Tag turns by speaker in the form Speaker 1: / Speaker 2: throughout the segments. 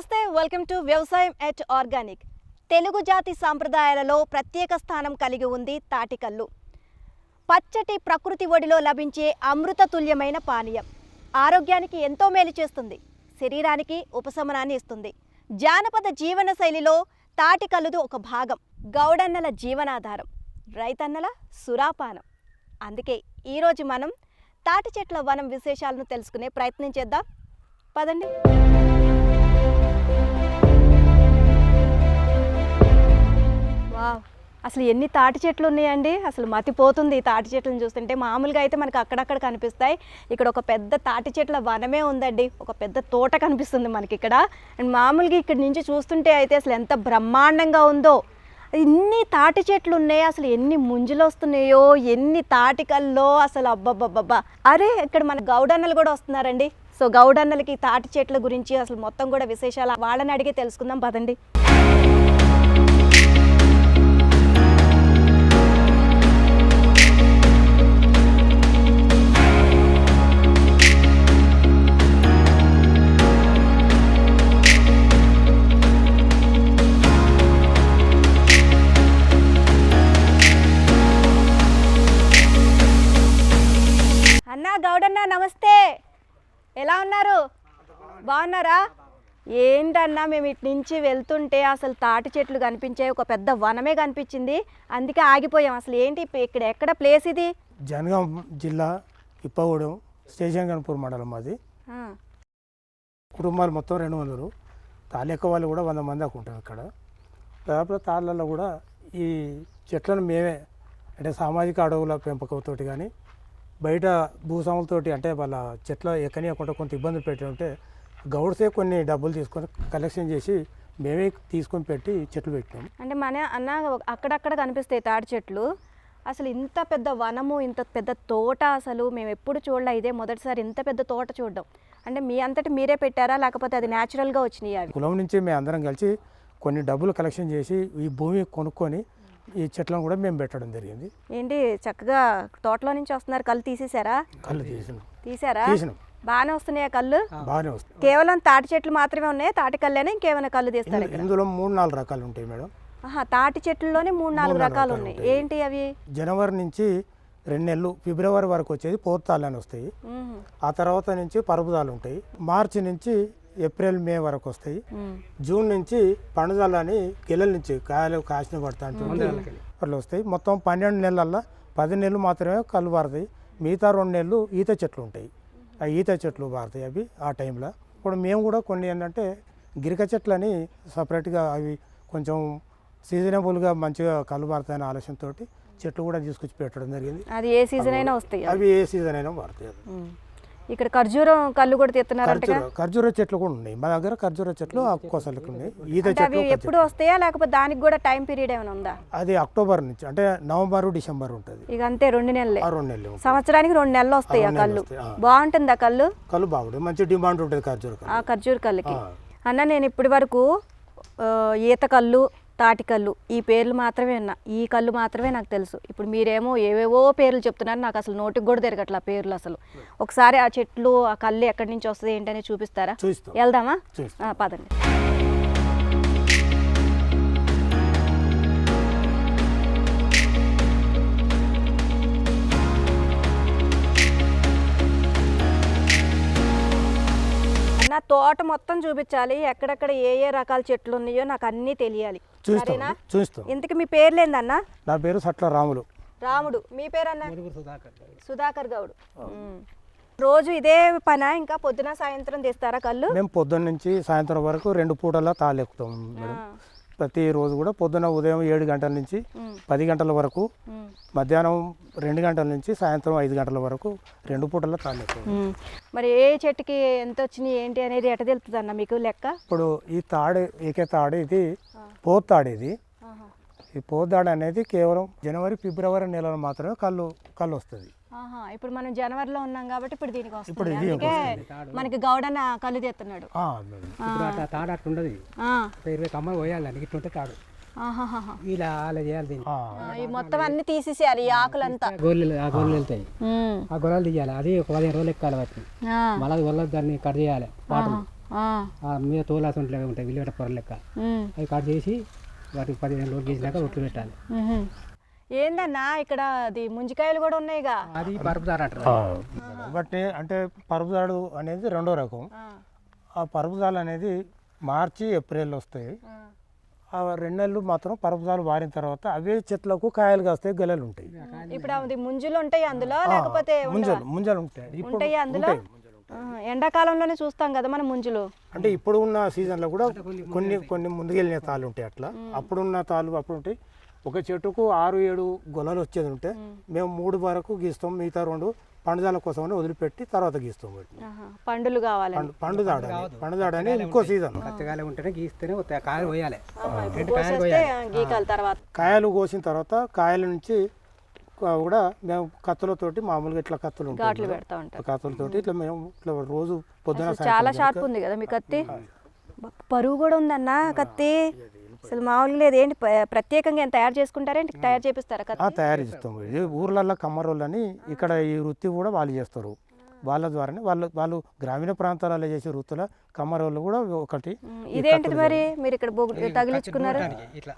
Speaker 1: నమస్తే welcome to వ్యవసాయం at organic. Telugu జాతి సాంప్రదాయాలలో ప్రత్యేక స్థానం కలిగి ఉంది తాటికల్లు. పచ్చటి ప్రకృతి ఒడిలో లభించే అమృతతుల్యమైన పానీయం. ఆరోగ్యానికి ఎంతో మేలు చేస్తుంది, శరీరానికి ఉపశమనాన్ని ఇస్తుంది. జానపద జీవన శైలిలో తాటికల్లుది ఒక భాగం. గౌడన్నల జీవనాధారం, రైతన్నల సురాపానం. అందుకే ఈరోజు మనం తాటి చెట్ల వనం విశేషాలను తెలుసుకునే ప్రయత్నం చేద్దాం. పదండి. వావ్, అసలు ఎన్ని తాటి చెట్లు ఉన్నాయండి. అసలు మతిపోతుంది ఈ తాటి చెట్లను చూస్తుంటే. మామూలుగా అయితే మనకు అక్కడక్కడ కనిపిస్తాయి, ఇక్కడ ఒక పెద్ద తాటి చెట్ల వనమే ఉందండి. ఒక పెద్ద తోట కనిపిస్తుంది మనకి ఇక్కడ. అండ్ మామూలుగా ఇక్కడ నుంచి చూస్తుంటే అయితే అసలు ఎంత బ్రహ్మాండంగా ఉందో. ఇన్ని తాటి చెట్లు ఉన్నాయి, అసలు ఎన్ని ముంజులు వస్తున్నాయో, ఎన్ని తాటికల్లో అసలు అబ్బబ్బబ్బబ్బా. అరే, ఇక్కడ మన గౌడన్నలు కూడా వస్తున్నారండి. సో గౌడన్నలకి తాటి చెట్ల గురించి అసలు మొత్తం కూడా విశేషాలు వాళ్ళని అడిగి తెలుసుకుందాం, పదండి. అన్నా, గౌడన్న నమస్తే, ఎలా ఉన్నారు? బాగున్నారా? ఏంటన్నా, మేము ఇటు నుంచి వెళ్తుంటే అసలు తాటి చెట్లు కనిపించాయి, ఒక పెద్ద వనమే కనిపించింది, అందుకే ఆగిపోయాం. అసలు ఏంటి ఇక్కడ, ఎక్కడ ప్లేస్ ఇది?
Speaker 2: జనగాం జిల్లా ఇప్పగూడెం స్టేషన్ గన్పూర్ మండలం. మాది కుటుంబాలు మొత్తం 200. తాలెక్క వాళ్ళు కూడా 100 మంది దాకా ఉంటాం ఇక్కడ. దాదాపు తాళ్ళల్లో కూడా ఈ చెట్లను మేమే, అంటే సామాజిక అడవుల పెంపకంతో కానీ బయట భూస్వాములతోటి, అంటే వాళ్ళ చెట్ల ఎక్కనియకుండా కొంత ఇబ్బందులు పెట్టి గౌడ్సే కొన్ని డబ్బులు తీసుకొని కలెక్షన్ చేసి మేమే తీసుకొని పెట్టి చెట్లు పెట్టినాం.
Speaker 1: అంటే మన అన్న అక్కడక్కడ కనిపిస్తాయి తాటి చెట్లు. అసలు ఇంత పెద్ద వనము, ఇంత పెద్ద తోట అసలు మేము ఎప్పుడు చూడలే. ఇదే మొదటిసారి ఇంత పెద్ద తోట చూడడం. అంటే మీ అంతటి మీరే పెట్టారా, లేకపోతే అది న్యాచురల్గా వచ్చినాయి? అవి
Speaker 2: కులం నుంచి మేము అందరం కలిసి కొన్ని డబ్బులు కలెక్షన్ చేసి ఈ భూమి కొనుక్కొని ఈ చెట్లను కూడా మేము పెట్టడం జరిగింది.
Speaker 1: ఏంటి చక్కగా తోటలో నుంచి వస్తున్నారు, కళ్ళు తీసేసారా?
Speaker 2: కళ్ళు
Speaker 1: తీసారా?
Speaker 2: తీసినాం.
Speaker 1: బాగానే వస్తున్నాయా కళ్ళు?
Speaker 2: బాగానే వస్తాయి.
Speaker 1: కేవలం తాటి చెట్లు మాత్రమే ఉన్నాయి, తాటి కళ్ళేనా ఇంకేమైనా కళ్ళు తీస్తారు?
Speaker 2: ఇందులో 3-4 రకాలు ఉంటాయి మేడం.
Speaker 1: తాటి చెట్లలోనే 3-4 రకాలు ఉన్నాయి. ఏంటి అవి?
Speaker 2: జనవరి నుంచి 2 నెలలు, ఫిబ్రవరి వరకు వచ్చేది పోతాలు అని వస్తాయి. ఆ తర్వాత నుంచి పరుపుదాలు ఉంటాయి. మార్చి నుంచి ఏప్రిల్ మే వరకు వస్తాయి. జూన్ నుంచి పండుదల అని గిల్లల నుంచి కాయలు కాసిన పడతా అట్లా వస్తాయి. మొత్తం 12 నెలల్లో 10 నెలలు మాత్రమే కళ్ళు పారుతాయి. మిగతా 2 నెలలు ఈత చెట్లు ఉంటాయి. ఆ ఈత చెట్లు పారుతాయి అవి ఆ టైంలో. ఇప్పుడు మేము కూడా కొన్ని ఏంటంటే గిరిక చెట్లు అని సపరేట్గా, అవి కొంచెం సీజనబుల్గా మంచిగా కళ్ళు పారుతాయనే ఆలోచనతో చెట్లు కూడా తీసుకొచ్చి పెట్టడం జరిగింది.
Speaker 1: అది ఏ సీజన్ అయినా వస్తాయి,
Speaker 2: అవి ఏ సీజన్ అయినా పారుతాయి.
Speaker 1: ఇక్కడ ఖర్జూరం కళ్ళు కూడా తీస్తున్నారు.
Speaker 2: ఖర్జూర చెట్లు కూడా ఉన్నాయి మా దగ్గర. ఖర్జూర చెట్లు ఆకుకోసలకు ఉన్నాయి. ఈత చెట్లు
Speaker 1: ఎప్పుడు వస్తాయా, లేకపోతే దానికి కూడా టైం పీరియడ్ ఏమైనా ఉందా?
Speaker 2: అది అక్టోబర్ నుంచి, అంటే నవంబర్ డిసెంబర్ ఉంటుంది.
Speaker 1: ఇక అంతే 2 నెలలే.
Speaker 2: 2 నెలలు,
Speaker 1: సంవత్సరానికి 2 నెలలు వస్తాయి ఆ కళ్ళు. బాగుంటుంది ఆ కళ్ళు.
Speaker 2: కళ్ళు బాగుంటుంది, మంచి డిమాండ్ ఉంటుంది ఖర్జూర కళ్ళు.
Speaker 1: ఆ ఖర్జూర కళ్ళకి. అన్న, నేను ఇప్పటి వరకు ఈత కళ్ళు, తాటి కళ్ళు ఈ పేర్లు మాత్రమే విన్నా, ఈ కళ్ళు మాత్రమే నాకు తెలుసు. ఇప్పుడు మీరేమో ఏవేవో పేర్లు చెప్తున్నారు, నాకు అసలు నోటికి కూడా తిరగట్ల ఆ పేర్లు అసలు. ఒకసారి ఆ చెట్లు, ఆ కళ్ళు ఎక్కడి నుంచి వస్తుంది ఏంటనే చూపిస్తారా? వెళ్దామా? పదండి. నా తోట మొత్తం చూపించాలి, ఎక్కడెక్కడ ఏ ఏ రకాల చెట్లు ఉన్నాయో నాకు అన్నీ తెలియాలి. సరేనా? ఇంతకు మీ పేర్లు ఏందన్నా?
Speaker 2: నా పేరు సట్ల రాములు.
Speaker 1: రాముడు. మీ పేరన్నా? సుధాకర్ గౌడ్. రోజు ఇదే పనా, ఇంకా పొద్దున సాయంత్రం తీస్తారా కళ్ళు?
Speaker 2: మేము పొద్దున్న నుంచి సాయంత్రం వరకు 2 పూటలా తాళెక్కుతాం మేడం. ప్రతిరోజు కూడా పొద్దున ఉదయం 7 గంటల నుంచి 10 గంటల వరకు, మధ్యాహ్నం 2 గంటల నుంచి సాయంత్రం 5 గంటల వరకు 2 పూటల తాళెక్కుతాం.
Speaker 1: మరి ఏ చెట్టుకి ఎంత వచ్చినాయి ఏంటి అనేది ఎట తెలుస్తుంది అన్న మీకు లెక్క?
Speaker 2: ఇప్పుడు ఈ తాడు, ఏకే తాడు, ఇది పోతాడు. ఇది ఈ పోతాడు అనేది కేవలం జనవరి ఫిబ్రవరి నెలలో మాత్రమే కళ్ళు వస్తుంది.
Speaker 1: ఇప్పుడు మనం జనవరిలో ఉన్నాం కాబట్టి ఇప్పుడు దీనికి వస్తుంది. అందుకే మనకి గౌడన్న కళ్ళు తీస్తున్నాడు.
Speaker 3: తాడు అట్లుండదు, 20 కమ్మలు పోయాలి ఇట్లుంటే తాడు. ఇలా అలా చేయాలి దీన్ని.
Speaker 1: ఈ మొత్తం అన్ని తీసేసేయాలి, ఈ ఆకులంతా.
Speaker 3: గొర్రెలు ఆ గొర్రెలు వెళ్తాయి, ఆ గొర్రెలు తీయాలి. అది ఒక 15 రోజులు ఎక్కాలి వాటిని. మళ్ళీ గొర్రెలు దాన్ని కట్ చేయాలి, వాటర్ మీద తోలాస ఉంటాయి విలువట పొర లెక్క అవి కట్ చేసి వాటికి 15 రోజులు చేసినాక రొట్టెలు పెట్టాలి.
Speaker 1: ఏందన్నా ఇక్కడ అది ముంజికాయలు కూడా ఉన్నాయిగా,
Speaker 3: అది పరుపుదారు అంటారు.
Speaker 2: బట్ అంటే పరుపుదాడు అనేది రెండో రకం. ఆ పరుపుదాలు అనేది మార్చి ఏప్రిల్ వస్తాయి. ఆ 2 నెలలు మాత్రం పరుపుదాలు వారిన తర్వాత అవే చెట్లకు కాయలు కాస్తాయి, గెలలు ఉంటాయి.
Speaker 1: ఇప్పుడు అది ముంజులు ఉంటాయి అందులో, లేకపోతే
Speaker 2: ముంజలు ఉంటాయి.
Speaker 1: ఉంటాయి అందులో. ఎండాకాలంలోనే చూస్తాం కదా మనం ముంజులు.
Speaker 2: అంటే ఇప్పుడు ఉన్న సీజన్లో కూడా కొన్ని కొన్ని ముందుకెళ్ళిన తాళ్ళు ఉంటాయి. అట్లా అప్పుడున్న తాళ్ళు అప్పుడు ఉంటాయి. ఒక చెట్టుకు 6-7 గొలలు వచ్చేది ఉంటే మేము 3 వరకు గీస్తాం, మిగతా 2 పండుదాల కోసమని వదిలిపెట్టి తర్వాత గీస్తాం.
Speaker 1: పండులు కావాలి,
Speaker 2: పండుదాడని ఇంకో సీజన్.
Speaker 3: పచ్చగాయలు ఉంటేనే గీస్తేనే కాయలు పోయాలి.
Speaker 1: తర్వాత
Speaker 2: కాయలు కోసిన తర్వాత కాయల నుంచి కూడా మేము కత్తులతోటి మామూలుగా ఇట్లా కత్తులు
Speaker 1: ఘాట్లు పెడతా ఉంటాం.
Speaker 2: కత్తులతోటి ఇట్లా మేము ఇట్లా రోజు పొద్దున
Speaker 1: చాలా షార్ప్ ఉంది కదా మీ కత్తి. పరువు కూడా ఉందన్న కత్తి, అసలు మామూలుగా లేదు. ఏంటి ప్రత్యేకంగా ఏం తయారు చేసుకుంటారేంటి, తయారు చేపిస్తారా కత్తి?
Speaker 2: తయారు చేస్తాం. ఇది ఊర్లలో కమ్మరోళ్ళని ఇక్కడ ఈ వృత్తి కూడా వాళ్ళు చేస్తారు. వాళ్ళ ద్వారానే వాళ్ళు గ్రామీణ ప్రాంతాలలో చేసే వృత్తుల కమ్మరోళ్ళు కూడా ఒకటి.
Speaker 1: ఇదేంటిది మరి మీరు ఇక్కడ తగిలించుకున్నారు?
Speaker 3: ఇట్లా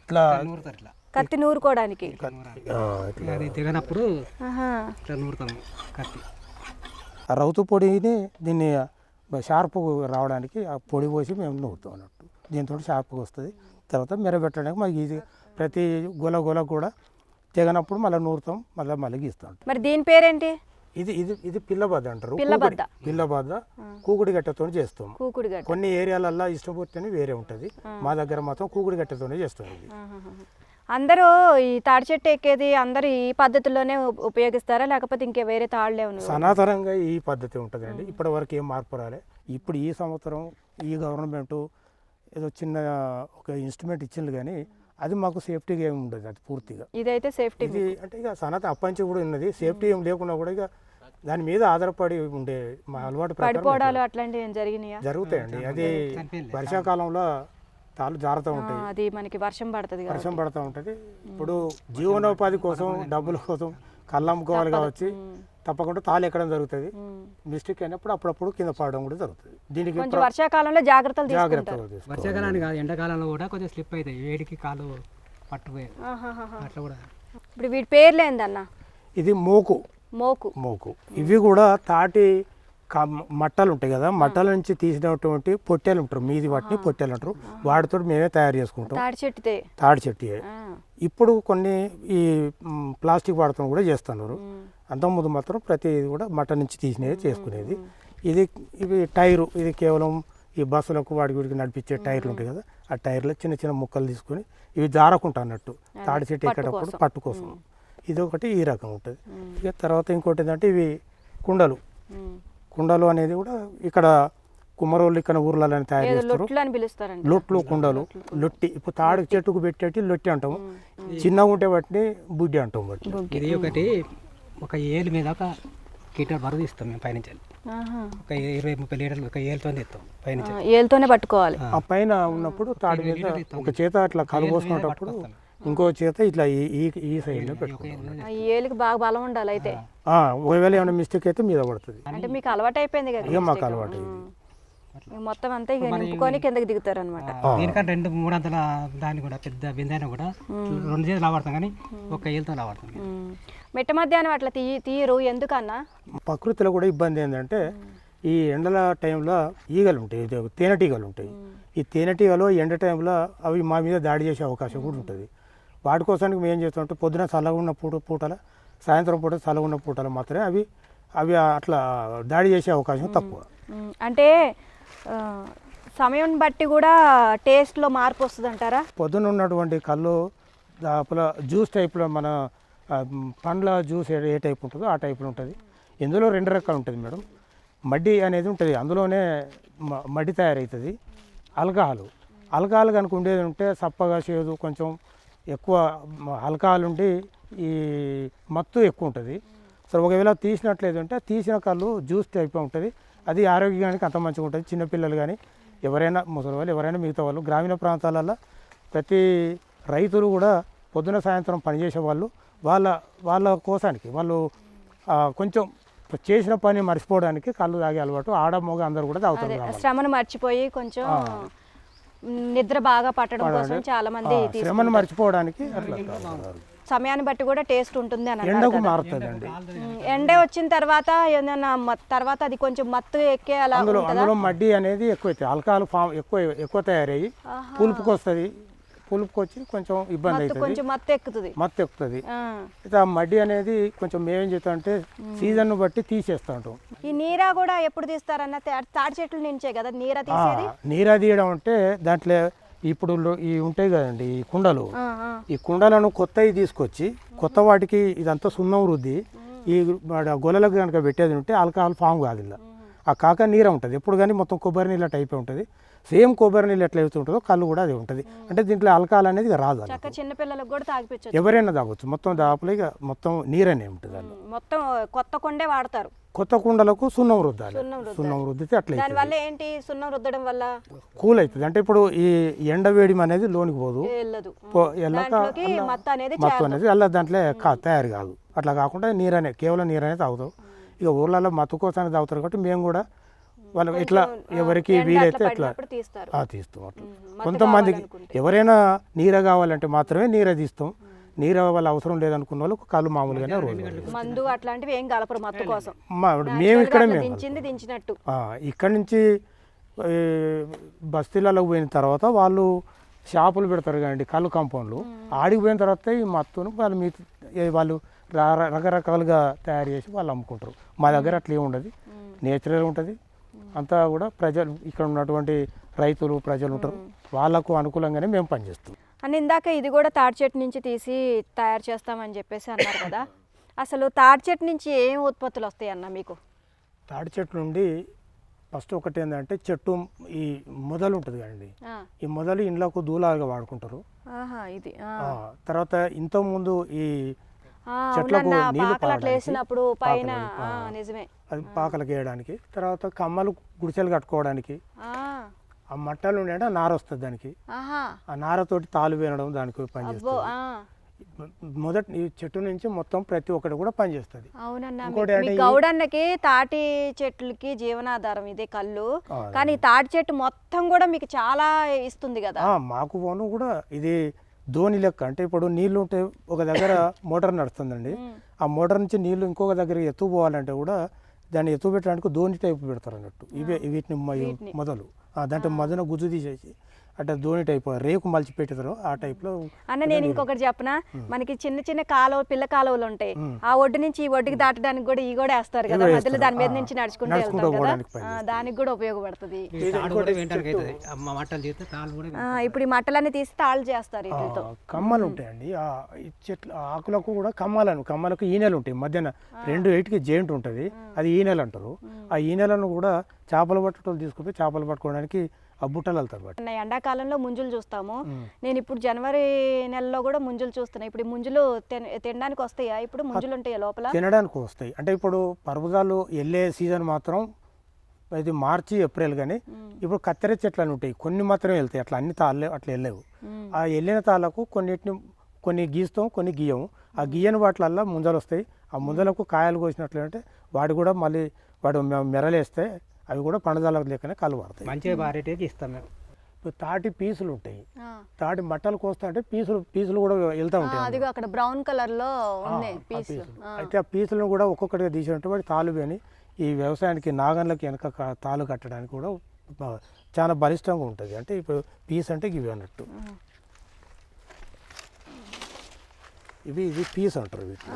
Speaker 1: కత్తి నూరుకోవడానికి
Speaker 3: దిగనప్పుడు ఇట్లా నూరుతాం కత్తి.
Speaker 2: ఆ రౌతు పొడిని దీన్ని షార్ప్ రావడానికి ఆ పొడి పోసి మేము నూరుతాం అన్నట్టు. దీంతో షార్ప్గా వస్తుంది. తర్వాత మెరబెట్టడానికి మాకు ఈజీ. ప్రతి గొల కూడా తెగనప్పుడు మళ్ళీ నూరుతాం, మళ్ళీ గీస్తాం.
Speaker 1: మరి దీని పేరేంటి?
Speaker 2: ఇది పిల్లబద్ద అంటారు. పిల్లబద్ద కూకుడి గట్టెతో చేస్తాం. కొన్ని ఏరియాలల్లో ఇష్టపూర్తి వేరే ఉంటుంది. మా దగ్గర మాత్రం కూకుడి గట్టెతోనే చేస్తాం. ఇది
Speaker 1: అందరూ ఈ తాడి చెట్టు ఎక్కేది అందరూ ఈ పద్ధతిలోనే ఉపయోగిస్తారా, లేకపోతే ఇంకే వేరే తాళ్ళే ఉన్నాయి?
Speaker 2: సనాతనంగా ఈ పద్ధతి ఉంటుందండి. ఇప్పటి వరకు ఏం మార్పు రాలే. ఇప్పుడు ఈ సంవత్సరం ఈ గవర్నమెంట్ ఏదో చిన్న ఒక ఇన్స్ట్రుమెంట్ ఇచ్చింది, కానీ అది మాకు సేఫ్టీగా ఏమి ఉండదు. అది పూర్తిగా
Speaker 1: ఇదైతే సేఫ్టీ.
Speaker 2: ఇది అంటే ఇక సనాతన అప్పంచి కూడా ఉన్నది. సేఫ్టీ ఏం లేకున్నా కూడా ఇక దాని మీద ఆధారపడి ఉండే మా అలవాటు
Speaker 1: పడిపోవడాలు అట్లాంటివి ఏం జరిగినాయా?
Speaker 2: జరుగుతాయండి. అది వర్షాకాలంలో తాళ్ళు జారుతూ ఉంటాయి.
Speaker 1: అది మనకి వర్షం పడుతూ ఉంటుంది. ఇప్పుడు జీవనోపాధి కోసం, డబ్బుల కోసం కళ్ళు అమ్ముకోవాలి కావచ్చు, తప్పకుండా తాళ్ళు ఎక్కడం జరుగుతుంది. మిస్టేక్ అయినప్పుడు అప్పుడప్పుడు కింద పడడం కూడా జరుగుతుంది. దీనికి వర్షాకాలంలో జాగ్రత్తలు
Speaker 3: వర్షాకాలానికి కాదు, ఎండాకాలంలో కూడా కొంచెం స్లిప్ అవుతాయి. వేడికి కాలు పట్టుపోయాయి అట్లా కూడా.
Speaker 1: ఇప్పుడు వీటి పేర్లు ఏందన్న?
Speaker 2: ఇది మోకు. ఇవి కూడా తాటి మట్టలు ఉంటాయి కదా, మట్టల నుంచి తీసినటువంటి పొట్టెలు ఉంటారు. మీది వాటిని పొట్టెలు అంటారు. వాటితో మేమే తయారు చేసుకుంటాం. తాడి చెట్టు. ఇప్పుడు కొన్ని ఈ ప్లాస్టిక్ వాడటం కూడా చేస్తున్నారు. అంతకుముందు మాత్రం ప్రతి కూడా మట్ట నుంచి తీసినవి చేసుకునేది. ఇవి టైరు. ఇది కేవలం ఈ బస్సులకు వాడికి నడిపించే టైర్లు ఉంటాయి కదా, ఆ టైర్లో చిన్న చిన్న ముక్కలు తీసుకొని ఇవి జారకుంటా అన్నట్టు తాడి చెట్టు ఎక్కేటప్పుడు పట్టు కోసం. ఇది ఒకటి ఈ రకం ఉంటుంది. ఇక తర్వాత ఇంకోటి ఏంటంటే ఇవి కుండలు అనేది కూడా ఇక్కడ కుమ్మరోళ్ళు ఇక్కడ ఊర్లలో తయారు చేస్తారు. లొట్లు, కుండలు, లొట్టి. ఇప్పుడు తాడి చెట్టుకు పెట్టేటి లొట్టి అంటాము. చిన్నగా ఉంటే వాటిని బుడ్డి అంటాం.
Speaker 3: ఇది ఒకటి ఒక ఏలు మీద ఒక లీటర్ బరువు ఇస్తాం మేము పైనుంచి. ఒక 20-30 లీటర్లు ఒక ఏలుతో ఇస్తాం పైనుంచి.
Speaker 1: ఏలుతోనే పట్టుకోవాలి.
Speaker 2: ఆ పైన ఉన్నప్పుడు తాడి మీద ఒక చేత అట్లా కలుపోసుకునేటప్పుడు ఇంకో చేత ఇట్లా ఈ సైడ్ లో పెట్టుకుంటాం.
Speaker 1: ఏలికి బాగా బలం ఉండాలి. అయితే
Speaker 2: ఒకవేళ ఏమైనా మిస్టేక్ అయితే మీద పడుతుంది.
Speaker 1: అంటే మీకు అలవాటు అయిపోయింది కదా?
Speaker 2: ఇక మాకు అలవాటు
Speaker 1: మొత్తం అంతా ఇక నింపుకొని కిందకి దిగుతారు అనమాట.
Speaker 3: దీనికంటే 2-3 అంతల దాన్ని కూడా పెద్ద బిందైనా కూడా 2 చేతులు లావాడతాం, కానీ ఒక ఏలుతో లావాడతాం.
Speaker 1: మిట్ట మధ్యాహ్నం అట్లా తీయరు ఎందుకన్నా?
Speaker 2: ప్రకృతిలో కూడా ఇబ్బంది ఏంటంటే ఈ ఎండల టైంలో ఈగలు ఉంటాయి, తేనెటీగలు ఉంటాయి. ఈ తేనెటీగలు ఎండ టైంలో అవి మా మీద దాడి చేసే అవకాశం కూడా ఉంటుంది. వాటి కోసానికి మేము ఏం చేస్తామంటే పొద్దున చల్లగా ఉన్న పూటల, సాయంత్రం పూట చల్లగా ఉన్న పూటలు మాత్రమే అవి అట్లా దాడి చేసే అవకాశం తక్కువ.
Speaker 1: అంటే సమయం బట్టి కూడా టేస్ట్లో మార్పు వస్తుంది అంటారా?
Speaker 2: పొద్దున ఉన్నటువంటి కళ్ళు జ్యూస్ టైప్లో మన పండ్ల జ్యూస్ ఏ టైప్ ఉంటుందో ఆ టైప్లో ఉంటుంది. ఇందులో 2 రకాలు ఉంటుంది మేడం. మడ్డి అనేది ఉంటుంది, అందులోనే మడ్డి తయారవుతుంది. ఆల్కహాల్ కనుక ఉండేది ఉంటే సప్పగా చేదు, కొంచెం ఎక్కువ ఆల్కహాల్ ఉండి ఈ మత్తు ఎక్కువ ఉంటుంది. సో ఒకవేళ తీసినట్లేదు అంటే తీసిన కళ్ళు జ్యూస్ టైప్ ఉంటుంది. అది ఆరోగ్యానికి అంత మంచిగా ఉంటుంది. చిన్నపిల్లలు కానీ ఎవరైనా, ముసలి వాళ్ళు ఎవరైనా, మిగతా వాళ్ళు గ్రామీణ ప్రాంతాలలో ప్రతి రైతులు కూడా పొద్దున సాయంత్రం పనిచేసే వాళ్ళు వాళ్ళ కోసానికి వాళ్ళు కొంచెం చేసిన పని మర్చిపోవడానికి కళ్ళు తాగే అలవాటు ఆడ మగ అందరు కూడా తాగుతారు కాబట్టి.
Speaker 1: శ్రమను మర్చిపోయి కొంచెం నిద్ర బాగా పట్టడం కోసం చాలా మంది
Speaker 2: శ్రమను మర్చిపోవడానికి అట్లా తాగుతారు.
Speaker 1: సమయాన్ని బట్టి కూడా టేస్ట్ ఉంటుంది అని అంటారు
Speaker 2: ఎండకు
Speaker 1: కదా.
Speaker 2: మారుతుందండి.
Speaker 1: ఎండే వచ్చిన తర్వాత ఏదైనా తర్వాత అది కొంచెం మత్తు ఎక్కే అలా ఉంటుందా?
Speaker 2: అందులో మడ్డి అనేది ఎక్కువైతే ఆల్కహాల్ ఫామ్ ఎక్కువ తయారయ్యి పులుపుకి వస్తుంది. పులుపుకి వచ్చి కొంచెం ఇబ్బంది అవుతుంది,
Speaker 1: కొంచెం మత్తు ఎక్కుతుంది.
Speaker 2: మత్తు ఎక్కుతుంది. అయితే ఆ మడ్డి అనేది కొంచెం మేమేం చేస్తాం అంటే సీజన్ బట్టి తీసేస్తూ ఉంటాం.
Speaker 1: ఈ నీరా కూడా ఎప్పుడు తీస్తారన్న తాటి చెట్ల నుంచే కదా నీరా తీసేది?
Speaker 2: నీరా తీయడం అంటే దాంట్లో ఇప్పుడు ఈ ఉంటాయి కదండి ఈ కుండలు, ఈ కుండలను కొత్తవి తీసుకొచ్చి కొత్త వాటికి ఇదంతా సున్నం రుద్ది ఈ గొలలకు కనుక పెట్టేది ఉంటే ఆల్కహాల్ ఫామ్ కాదు. ఇలా ఆ కాక నీర ఉంటుంది ఎప్పుడు కానీ మొత్తం కొబ్బరి నీళ్ళు అట్లా అయిపోయి ఉంటుంది. సేమ్ కొబ్బరి నీళ్ళు ఎట్లా అవుతూ ఉంటుందో కళ్ళు కూడా అది ఉంటుంది. అంటే దీంట్లో ఆల్కహాల్ అనేది రాదు.
Speaker 1: చిన్న పిల్లలకు కూడా తాగిపించచ్చు,
Speaker 2: ఎవరైనా తాగొచ్చు. మొత్తం దాపులో ఇక మొత్తం నీరనే ఉంటుంది. అది
Speaker 1: మొత్తం కొత్త కొండే వాడతారు.
Speaker 2: కొత్త కుండలకు సున్నం రుద్దాలి. సున్నం రుద్దితే అట్లా
Speaker 1: దాని వల్ల ఏంటి? సున్నం రుద్దడం వల్ల
Speaker 2: కూల్ అవుతుంది. అంటే ఇప్పుడు ఈ ఎండ వేడి అనేది లోనికి పోదు,
Speaker 1: వెళ్ళదు.
Speaker 2: మత్తు అనేది అలా దాంట్లో తయారు కాదు. అట్లా కాకుండా నీరనే, కేవలం నీరనే తాగుతాం. ఇక ఊర్లలో మత్తు కోసానికి తాగుతారు కాబట్టి మేము కూడా వాళ్ళు ఇట్లా ఎవరికి వీలైతే అట్లా తీస్తాం. అట్లా కొంతమందికి ఎవరైనా నీర కావాలంటే మాత్రమే నీర తీస్తాం. నీర వల్ల అవసరం లేదనుకున్న వాళ్ళకి కళ్ళు మామూలుగానే రోజు
Speaker 1: మందు అట్లాంటివి ఏం కలపరు మత్తు కోసం.
Speaker 2: మేము ఇక్కడ
Speaker 1: దించినట్టు
Speaker 2: ఇక్కడ నుంచి బస్తీలలో పోయిన తర్వాత వాళ్ళు షాపులు పెడతారు కదండి కళ్ళు కాంపౌండ్లు. ఆడికి పోయిన తర్వాత ఈ మత్తును వాళ్ళు రకరకాలుగా తయారు చేసి వాళ్ళు అమ్ముకుంటారు. మా దగ్గర అట్లా ఏమి ఉండదు, నేచురల్ ఉంటుంది. అంతా కూడా ప్రజలు ఇక్కడ ఉన్నటువంటి రైతులు ప్రజలు ఉంటారు, వాళ్ళకు అనుకూలంగానే మేము పనిచేస్తాం.
Speaker 1: అని ఇందాక ఇది కూడా తాటి చెట్టు నుంచి తీసి తయారు చేస్తామని చెప్పేసి అన్నారు కదా. అసలు తాటి చెట్టు నుంచి ఏం ఉత్పత్తులు వస్తాయి అన్న మీకు?
Speaker 2: తాటి చెట్టు నుండి ఫస్ట్ ఒకటి ఏంటంటే చెట్టు ఈ మొదలు ఉంటుంది కదండి, ఈ మొదలు ఇండ్లకు దూలాలుగా వాడుకుంటారు.
Speaker 1: ఇది
Speaker 2: తర్వాత ఇంతకుముందు ఈ చెట్లకు నీళ్లు
Speaker 1: వేసినప్పుడు పైన నిజమే
Speaker 2: అది పాకలకు వేయడానికి. తర్వాత కమ్మలు గుడిసెలు కట్టుకోవడానికి ఆ మట్టలు ఉండే నార వస్తుంది దానికి. ఆ నారతోటి తాలు వేయడం దానికి పనిచేస్తుంది. మొదటి ఈ చెట్టు నుంచి మొత్తం ప్రతి ఒక్కటి కూడా పనిచేస్తుంది.
Speaker 1: గౌడన్నకి తాటి చెట్లకి జీవనాధారం ఇదే కళ్ళు, కానీ తాటి చెట్టు మొత్తం కూడా మీకు చాలా ఇస్తుంది కదా.
Speaker 2: మాకు పోను కూడా ఇది ధోని లెక్క. అంటే ఇప్పుడు నీళ్లు ఉంటే ఒక దగ్గర మోటార్ నడుస్తుందండి, ఆ మోటార్ నుంచి నీళ్లు ఇంకొక దగ్గర ఎత్తుపోవాలంటే కూడా దాన్ని ఎత్తు పెట్టడానికి ధోని టైపు పెడతారు అన్నట్టు. వీటిని మొదలు దాంట్లో మధ్యన గుజ్జు తీసేసి అంటే ధోని టైప్ రేకు మలిచి పెట్టారు ఆ టైప్ లో.
Speaker 1: అన్న నేను ఇంకొకటి చెప్పనా, మనకి చిన్న చిన్న కాలువ పిల్ల కాలువలు ఉంటాయి, ఆ ఒడ్డు నుంచి ఈ ఒడ్డుకి దాటడానికి కూడా ఈ కూడా వేస్తారు కదా మధ్యలో, దాని మీద నుంచి నడుచుకుంటూ వెళ్తారు కదా, దానికి కూడా ఉపయోగపడుతుంది. ఇప్పుడు ఈ మట్టలన్నీ తీసి తాళ్ళు చేస్తారు వీటితో.
Speaker 2: కమ్మలు ఉంటాయండి చెట్లు ఆకులకు కూడా కమ్మలకు ఈనెలు ఉంటాయి. మధ్యన 2 8కి జాయింట్ ఉంటుంది, అది ఈనెలు అంటారు. ఆ ఈనెలను కూడా చేపలు పట్టడం తీసుకుపోయి చేపలు పట్టుకోవడానికి ఆ బుట్టలు వెళ్తారు.
Speaker 1: ఎండాకాలంలో ముంజులు చూస్తాము, నేను ఇప్పుడు జనవరి నెలలో కూడా ముంజులు చూస్తున్నా. ఇప్పుడు ముంజులు తినడానికి వస్తాయా? ఇప్పుడు ముంజులు ఉంటాయా లోపల?
Speaker 2: తినడానికి వస్తాయి. అంటే ఇప్పుడు పర్వతాలు వెళ్ళే సీజన్ మాత్రం ఇది మార్చి ఏప్రిల్. కానీ ఇప్పుడు కత్తెర చెట్లు అని ఉంటాయి, కొన్ని మాత్రమే వెళ్తాయి. అట్లా అన్ని తాళ్ళే అట్లా వెళ్ళలేవు. ఆ వెళ్ళిన తాళ్ళకు కొన్ని గీస్తాం, కొన్ని గీయము. ఆ గీయని వాటిలల్లో ముంజలు వస్తాయి. ఆ ముంజలకు కాయలు కోసినట్లు అంటే వాడు కూడా మళ్ళీ మెరలేస్తే అవి కూడా పండుదల లేకనే కళ్ళు పడతాయి.
Speaker 3: మంచిగా వారేటికి ఇస్తాం మేము.
Speaker 2: ఇప్పుడు తాటి పీసులు ఉంటాయి, తాటి మట్టలు కోస్తా అంటే పీసులు కూడా వెళ్తూ ఉంటాయి.
Speaker 1: అక్కడ బ్రౌన్ కలర్ లో పీసులు.
Speaker 2: అయితే ఆ పీసులను కూడా ఒక్కొక్కటిగా తీసినట్టు వాటి తాలు అని ఈ వ్యవసాయానికి నాగన్లకి వెనక తాలు కట్టడానికి కూడా చాలా బలిష్టంగా ఉంటుంది. అంటే ఇప్పుడు పీస్ అంటే ఇవి అన్నట్టు ఇది పీస్ అంటారు వీటిని.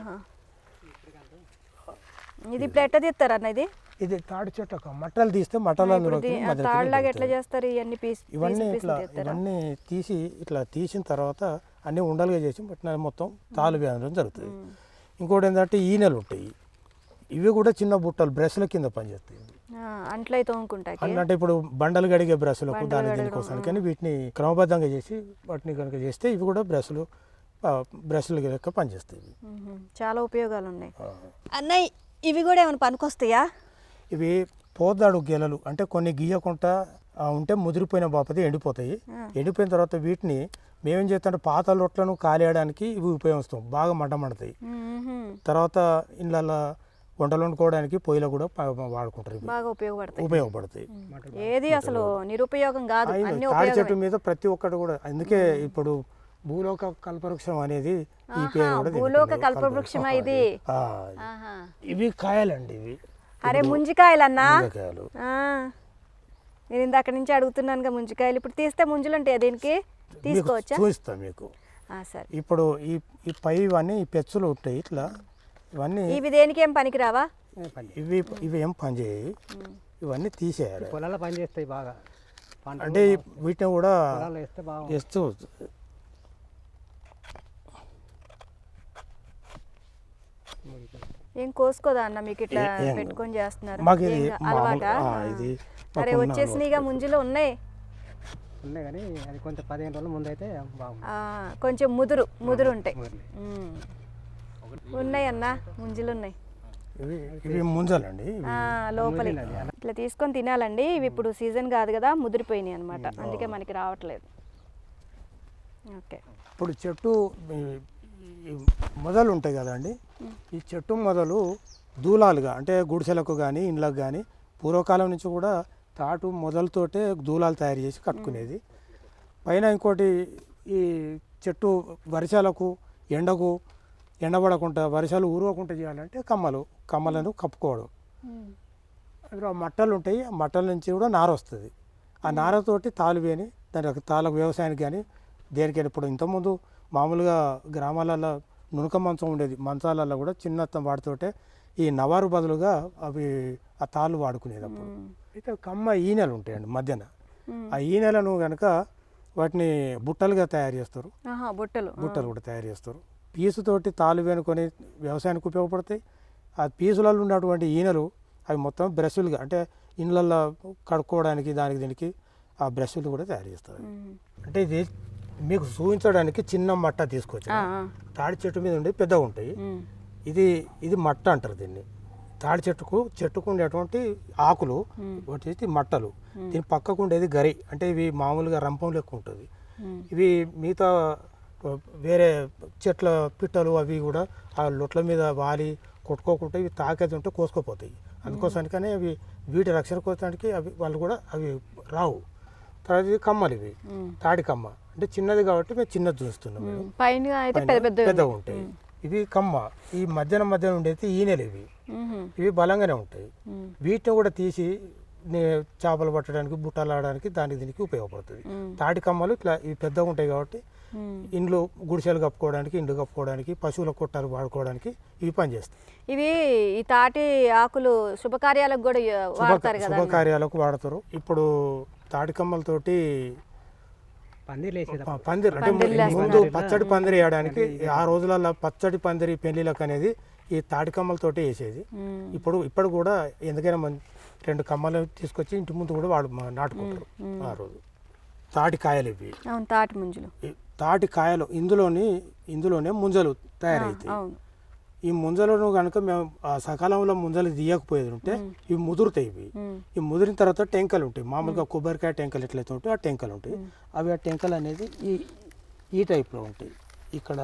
Speaker 1: ఇది ఇప్పుడు ఎట్లా తీస్తారు అన్న?
Speaker 2: ఇది తాటి చెట్టు మట్టలు తీస్తే మట్టలు
Speaker 1: ఎట్లా చేస్తారు?
Speaker 2: ఇవన్నీ తీసి ఇట్లా తీసిన తర్వాత అన్నీ ఉండలుగా చేసి మొత్తం తాలు వేయడం జరుగుతుంది. ఇంకోటి ఏంటంటే ఈనెలు ఉంటాయి, ఇవి కూడా చిన్న బుట్టలు బ్రష్ల కింద పనిచేస్తాయి. అంటే ఇప్పుడు బండలు గడిగే బ్రష్లకు దీనికోసం కానీ వీటిని క్రమబద్ధంగా చేసి వాటిని కనుక చేస్తే ఇవి కూడా బ్రష్లు లెక్క పనిచేస్తాయి.
Speaker 1: చాలా ఉపయోగాలు ఉన్నాయి అన్నయ్య. ఇవి కూడా ఏమైనా పనికొస్తాయా?
Speaker 2: ఇవి పోదాడు గెలలు అంటే కొన్ని గీయకుండా ఉంటే ముదిరిపోయిన బాపతి ఎండిపోతాయి. ఎండిపోయిన తర్వాత వీటిని మేమేం చేస్తామంటే పాత లొట్లను కాలేయడానికి ఇవి ఉపయోగిస్తాం. బాగా మండతాయి. తర్వాత ఇళ్ళల్లో వంటలు వండుకోవడానికి పొయ్యిలో కూడా వాడుకుంటారు ఇవి.
Speaker 1: బాగా
Speaker 2: ఉపయోగపడతాయి.
Speaker 1: ఏది అసలు నిరుపయోగం కాదు, అన్ని
Speaker 2: తాడి చెట్టు మీద ప్రతి ఒక్కటి కూడా, అందుకే ఇప్పుడు భూలోక కల్పవృక్షం అనేది ఈ పేరు కూడా
Speaker 1: భూలోక కల్పవృక్షమా ఇది?
Speaker 2: ఆ, ఇవి కాయలండి ఇవి.
Speaker 1: అరే ముంజికాయలన్నా,
Speaker 2: కాయలు.
Speaker 1: నేను ఇందాక నుంచి అడుగుతున్నానుగా ముంజికాయలు. ఇప్పుడు తీస్తే ముంజులు ఉంటాయి, దీనికి తీసుకోవచ్చా?
Speaker 2: చూపిస్తా మీకు.
Speaker 1: సరే.
Speaker 2: ఇప్పుడు ఈ పై ఇవన్నీ ఈ పెచ్చులు ఉంటాయి ఇట్లా, ఇవన్నీ
Speaker 1: ఇవి దేనికి ఏం పనికిరావా?
Speaker 2: ఇవి ఏం పని చేయవు, ఇవన్నీ తీసేయాలి.
Speaker 3: పొలాల్లో పని చేస్తాయి బాగా,
Speaker 2: అంటే వీటిని కూడా
Speaker 3: వేస్తే బాగా
Speaker 2: వేస్తూ
Speaker 1: ఏం కోసుకోదా అన్న మీకు ఇట్లా పెట్టుకొని చేస్తున్నారు?
Speaker 2: మాకు ఇది
Speaker 1: అలవాటా?
Speaker 2: ఇది
Speaker 1: అరే వచ్చేసినాయిగా ముంజులు ఉన్నాయి
Speaker 3: కానీ అది కొంచెం 15 రోజుల ముందు అయితే బాగుంది.
Speaker 1: కొంచెం ముదురు ఉంటాయి. ఉన్నాయి అన్న, ముంజులు ఉన్నాయి.
Speaker 2: ఇవి ముంజలండి,
Speaker 1: లోపలి ఇట్లా తీసుకొని తినాలండి. ఇవి ఇప్పుడు సీజన్ కాదు కదా, ముదిరిపోయినాయి అనమాట, అందుకే మనకి రావట్లేదు. ఓకే.
Speaker 2: ఇప్పుడు చెట్టు మొదలు ఉంటాయి కదండి, ఈ చెట్టు మొదలు దూలాలుగా, అంటే గుడిసెలకు కానీ ఇండ్లకు కానీ పూర్వకాలం నుంచి కూడా తాటు మొదలతోటే దూలాలు తయారు చేసి కట్టుకునేది. పైన ఇంకోటి, ఈ చెట్టు వర్షాలకు ఎండకు ఎండబడకుండా వర్షాలు ఊరవకుండా చేయాలంటే కమ్మలను కప్పుకోవడం. అందులో మట్టలు ఉంటాయి, ఆ మట్టల నుంచి కూడా నార వస్తుంది. ఆ నారతోటి తాలు వేని దాని తాళ్ళకు వ్యవసాయానికి కానీ దేనికైనా, ఇప్పుడు ఇంతకుముందు మామూలుగా గ్రామాలలో నునక మంచం ఉండేది, మంచాలలో కూడా చిన్న వాటితోటే ఈ నవారు బదులుగా అవి ఆ తాళ్ళు వాడుకునేది. అప్పుడు అయితే కమ్మ ఈనెలు ఉంటాయండి మధ్యన, ఆ ఈనెలను కనుక వాటిని బుట్టలుగా తయారు చేస్తారు, బుట్టలు కూడా తయారు చేస్తారు. పీసుతోటి తాళ్ళు వేనుకొని వ్యవసాయానికి ఉపయోగపడతాయి. ఆ పీసులలో ఉన్నటువంటి ఈనెలు అవి మొత్తం బ్రష్లుగా, అంటే ఇండ్లల్లో కడుక్కోవడానికి దానికి దీనికి ఆ బ్రష్లు కూడా తయారు చేస్తారు. అంటే ఇది మీకు చూపించడానికి చిన్న మట్ట తీసుకొచ్చి, తాడి చెట్టు మీద ఉండి పెద్దగా ఉంటాయి. ఇది మట్ట అంటారు దీన్ని. తాడి చెట్టుకు ఉండేటువంటి ఆకులు వచ్చేసి మట్టలు, దీని పక్కకు ఉండేది గరి, అంటే ఇవి మామూలుగా రంపం లెక్క ఉంటుంది. ఇవి మిగతా వేరే చెట్ల పిట్టలు అవి కూడా ఆ లొట్ల మీద వాలి కొట్టుకోకుండా ఇవి తాకేది ఉంటే కోసుకోపోతాయి. అందుకోసానికనే అవి వీటి రక్షణ కోసానికి అవి వాళ్ళు కూడా అవి రావు. తర్వాత ఇవి కమ్మలు, ఇవి తాడి కమ్మ, అంటే చిన్నది కాబట్టి మేము చిన్నది చూస్తున్నాం, పెద్దగా ఉంటాయి. ఇవి కమ్మ, ఈ మధ్యన ఉండేది ఈనెలు, ఇవి బలంగానే ఉంటాయి. వీటిని కూడా తీసి చేపలు పట్టడానికి, బుట్టలు ఆడడానికి, దానికి దీనికి ఉపయోగపడుతుంది. తాటి కమ్మలు ఇట్లా ఇవి పెద్దగా ఉంటాయి కాబట్టి ఇండ్లు గుడిసెలు కప్పుకోవడానికి, ఇండ్లు కప్పుకోవడానికి, పశువుల కొట్టాలు వాడుకోవడానికి ఇవి పనిచేస్తాయి.
Speaker 1: ఇవి ఈ తాటి ఆకులు శుభకార్యాలకు కూడా వాడతారు కదా?
Speaker 2: శుభకార్యాలకు వాడతారు. ఇప్పుడు తాటి కమ్మలతోటి పందిరి, అంటే ముందు పచ్చడి పందిరి వేయడానికి, ఆ రోజులలో పచ్చడి పందిరి పెళ్లిలకు అనేది ఈ తాటి కమ్మలతోటి వేసేది. ఇప్పుడు కూడా ఎందుకైనా 2 కమ్మలు తీసుకొచ్చి ఇంటి ముందు కూడా నాటుకుంటారు ఆ రోజు. తాటి కాయలు ఇవి,
Speaker 1: తాటి ముంజలు,
Speaker 2: తాటి కాయలు, ఇందులోనే ముంజలు తయారవుతాయి. ఈ ముంజలను కనుక మేము సకాలంలో ముంజలు తీయకపోయేది ఉంటే ఇవి ముదురుతాయి. ఇవి ముదిరిన తర్వాత టెంకలు ఉంటాయి, మామూలుగా కొబ్బరికాయ టెంకలు ఎట్లయితే ఉంటాయి ఆ టెంకలు ఉంటాయి. అవి ఆ టెంకలు అనేది ఈ టైప్లో ఉంటాయి. ఇక్కడ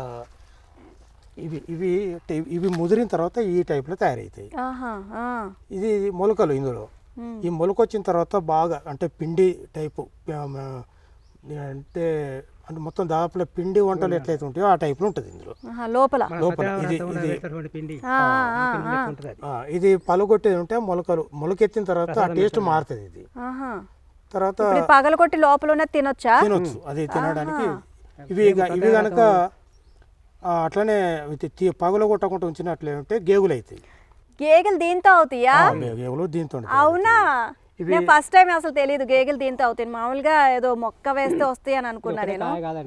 Speaker 2: ఇవి ముదిరిన తర్వాత ఈ టైప్లో తయారవుతాయి. ఇది మొలకలు. ఇందులో ఈ మొలక వచ్చిన తర్వాత బాగా, అంటే పిండి టైపు, అంటే మొత్తం దాదాపు పిండి వంటలు ఎట్లయితే ఉంటాయో ఆ టైప్లో ఉంటుంది ఇందులో లోపల. ఇది పలుగొట్టేది ఉంటే మొలకెత్తిన తర్వాత ఆ టేస్ట్ మారుతుంది. ఇది తర్వాత
Speaker 1: పగలగొట్టి లోపల తినొచ్చు, అది తినడానికి.
Speaker 2: ఇవి కనుక అట్లనే పగలగొట్టకుండా ఉంచినట్లే ఉంటే గేగులు అవుతాయి.
Speaker 1: గేగలు దీంతో అవుతాయా?
Speaker 2: గేగులు దీంతో.
Speaker 1: అవునా? నేను ఫస్ట్ టైం అసలు తెలియదు గేగలు దీంతో అవుతాయి. మామూలుగా ఏదో మొక్క వేస్తే వస్తాయి అని అనుకున్నా నేను.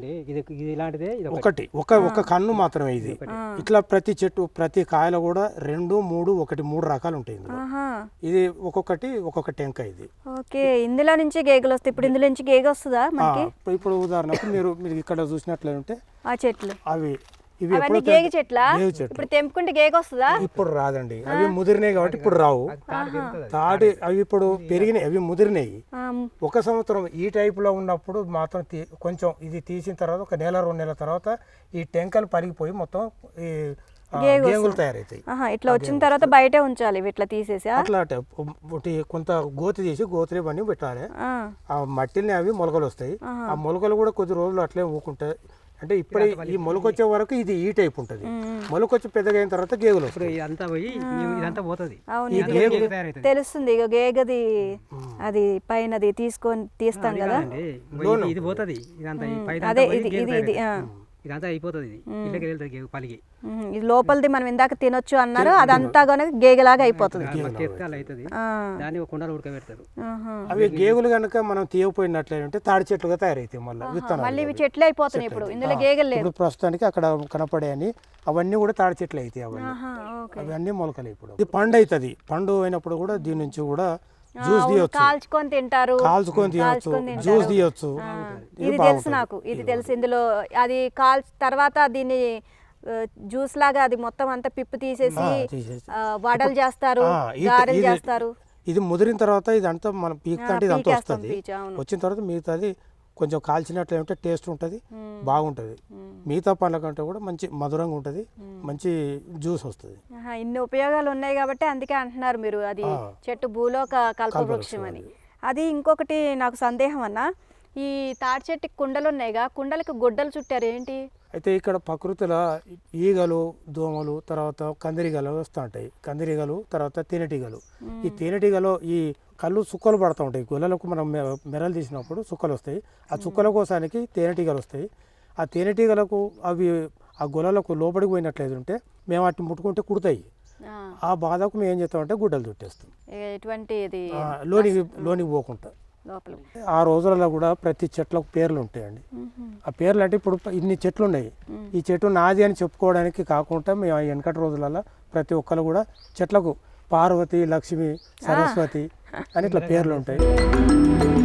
Speaker 2: ఒక కన్ను మాత్రమే ఇది. ఇట్లా ప్రతి చెట్టు, ప్రతి కాయలో కూడా 2, 3 రకాలు ఉంటాయి. ఇది ఒక్కొక్క టెంక. ఇది
Speaker 1: ఓకే. ఇందులో నుంచి గేగలు వస్తాయి. ఇప్పుడు ఇందులో నుంచి గేగ వస్తుందా మనకి?
Speaker 2: ఇప్పుడు ఉదాహరణకు మీరు ఇక్కడ చూసినట్లయితే
Speaker 1: ఆ చెట్లు
Speaker 2: అవి
Speaker 1: గేగి చెట్ల. ఇప్పుడు తెంపుకుంటే గేగ వస్తుందా?
Speaker 2: ఇప్పుడు రాదండి, అవి ముదిరినాయి కాబట్టి ఇప్పుడు రావు. తాటి అవి ఇప్పుడు పెరిగినాయి, అవి ముదిరినాయి. 1 సంవత్సరం ఈ టైపులో ఉన్నప్పుడు మాత్రం కొంచెం ఇది తీసిన తర్వాత 1 నెల 2 నెలల తర్వాత ఈ టెంకలు పరిగిపోయి మొత్తం ఈ గేగులు తయారవుతాయి.
Speaker 1: ఇట్లా వచ్చిన తర్వాత బయటే ఉంచాలి ఇట్లా తీసేసి
Speaker 2: అట్లా ఒకటి కొంత గోతి తీసి గోతులు ఇవన్నీ పెట్టాలి. ఆ మట్టిని అవి మొలకలు వస్తాయి. ఆ మొలకలు కూడా కొద్ది రోజులు అట్లే ఊకుంటాయి. అంటే ఇప్పుడు ఈ మొలకొచ్చే వరకు ఇది ఈ టైప్ ఉంటుంది. మొలకొచ్చి పెద్దగా అయిన తర్వాత గేగులు వస్తాయి.
Speaker 3: ఇదంతా పోయి ఇదంతా పోతుంది.
Speaker 1: అవును, తెలుస్తుంది ఇక గేగది అది పైనది తీస్తాం కదా,
Speaker 3: ఇది పోతుంది. ఇదంతా
Speaker 1: అదే ఇది ఇది ఇది
Speaker 3: ఇదంతా అయిపోతుంది. ఇది ఇళ్ళకి వెళ్తుంది పలికి.
Speaker 1: ఇది లోపలిది మనం ఇందాక తినొచ్చు అన్నారు, అదంతా కనుక గేగలాగా అయిపోతుంది.
Speaker 3: అవుతుంది. దాన్ని ఒక కుండలో ఉడకబెడతారు.
Speaker 2: అవి గేగులు కనుక మనం తీయకపోయినట్లయితే తాడి చెట్లుగా తయారైతాయి.
Speaker 1: మళ్ళీ ఇవి చెట్లు అయిపోతున్నాయి. ఇప్పుడు ఇందులో గేగలు లేదు.
Speaker 2: ఇప్పుడు ప్రస్తుతానికి అక్కడ కనపడే అని అవన్నీ కూడా తాడి చెట్లు అవుతాయి. అవన్నీ మొలకలు. ఇప్పుడు ఇది పండు అవుతుంది. పండు అయినప్పుడు కూడా దీని నుంచి కూడా జ్యూస్ తీయొచ్చు,
Speaker 1: కాల్చుకొని తింటారు,
Speaker 2: కాల్చుకొని తీయొచ్చు, జ్యూస్ తీయొచ్చు.
Speaker 1: ఇది తెలుసు నాకు, ఇది తెలుసు. ఇందులో అది తర్వాత దీన్ని జ్యూస్ లాగా అది మొత్తం అంతా పిప్పు తీసేసి వడలు చేస్తారు, గారెలు చేస్తారు.
Speaker 2: ఇది ముదిరిన తర్వాత ఇదంతా మనం పీకుతంటే ఇదంతా వస్తుంది. వచ్చిన తర్వాత మిగతాది కొంచెం కాల్చినట్లు ఉంటే టేస్ట్ ఉంటుంది, బాగుంటుంది. మిగతా పండ్ల కంటే కూడా మంచి మధురంగా ఉంటుంది, మంచి జ్యూస్ వస్తుంది.
Speaker 1: ఇన్ని ఉపయోగాలు ఉన్నాయి కాబట్టి అందుకే అంటున్నారు మీరు అది చెట్టు భూలోక కల్పవృక్షం అని. అది ఇంకొకటి నాకు సందేహం అన్న, ఈ తాటి చెట్టుకి కుండలు ఉన్నాయిగా, కుండలకి గుడ్డలు చుట్టారు ఏంటి?
Speaker 2: అయితే ఇక్కడ ప్రకృతిలో ఈగలు, దోమలు, తర్వాత కందిరీగలు వస్తూ ఉంటాయి. కందిరీగలు, తర్వాత తేనెటీగలు. ఈ తేనెటీగలు ఈ కళ్ళు చుక్కలు పడుతూ ఉంటాయి. గుల్లలకు మనం మెరలు తీసినప్పుడు చుక్కలు వస్తాయి. ఆ చుక్కల కోసానికి తేనెటీగలు వస్తాయి. ఆ తేనెటీగలకు అవి ఆ గుల్లలకు లోపలికి పోయినట్లయితే మేము వాటిని ముట్టుకుంటే కుడతాయి. ఆ బాధకు మేము ఏం చేస్తామంటే గుడ్డలు చుట్టేస్తాం, లోనికి పోకుండా. ఆ రోజులలో కూడా ప్రతి చెట్లకు పేర్లు ఉంటాయండి. ఆ పేర్లు అంటే ఇప్పుడు ఇన్ని చెట్లు ఉన్నాయి, ఈ చెట్టు నాది అని చెప్పుకోవడానికి కాకుండా మేము వెనకటి రోజులలో ప్రతి ఒక్కరు కూడా చెట్లకు పార్వతి, లక్ష్మి, సరస్వతి అని ఇట్లా పేర్లు ఉంటాయి.